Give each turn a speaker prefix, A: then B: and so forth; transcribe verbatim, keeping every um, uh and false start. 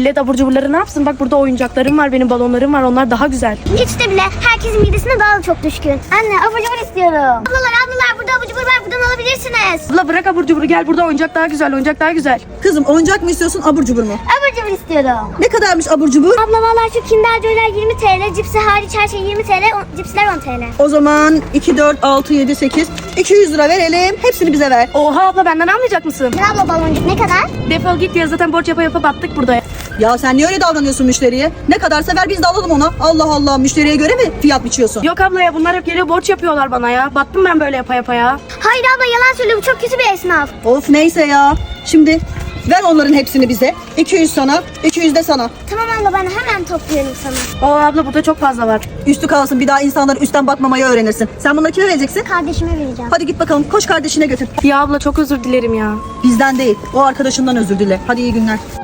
A: Millet abur cuburları ne yapsın? Bak burada oyuncaklarım var, benim balonlarım var. Onlar daha güzel.
B: Hiç de bile herkesin midesine daha da çok düşkün. Anne abur cubur istiyorum. Ablalar ablalar burada abur cubur var, buradan alabilirsiniz.
A: Abla bırak abur cuburu, gel burada oyuncak daha güzel, oyuncak daha güzel.
C: Kızım oyuncak mı istiyorsun, abur cubur mu?
B: Abur cubur istiyorum.
C: Ne kadarmış abur cubur?
B: Abla vallahi şu Kinder Joy'ler yirmi TL, cipsi hariç her şey yirmi TL, o- cipsler on TL.
C: O zaman iki, dört, altı, yedi, sekiz, iki yüz lira verelim. Hepsini bize ver.
A: Oha abla, benden almayacak mısın?
B: Ne abla baloncuk ne kadar?
A: Defol git ya, zaten borç yapa yapa battık burada.
C: Ya sen niye öyle davranıyorsun müşteriye? Ne kadarsa ver, biz de alalım ona. Allah Allah, müşteriye göre mi fiyat biçiyorsun?
A: Yok abla ya, bunlar hep geliyor borç yapıyorlar bana ya. Battım ben böyle yapa yapa ya.
B: Hayır abla yalan söylüyor, bu çok kötü bir esnaf.
C: Of neyse ya. Şimdi ver onların hepsini bize. iki yüz sana, iki yüz de sana.
B: Tamam abla ben hemen topluyorum sana.
A: Oo abla, burada çok fazla var.
C: Üstü kalsın, bir daha insanlar üstten bakmamayı öğrenirsin. Sen bunları kime vereceksin?
B: Kardeşime vereceğim.
C: Hadi git bakalım, koş kardeşine götür.
A: Ya abla çok özür dilerim ya.
C: Bizden değil, o arkadaşından özür dile. Hadi iyi günler.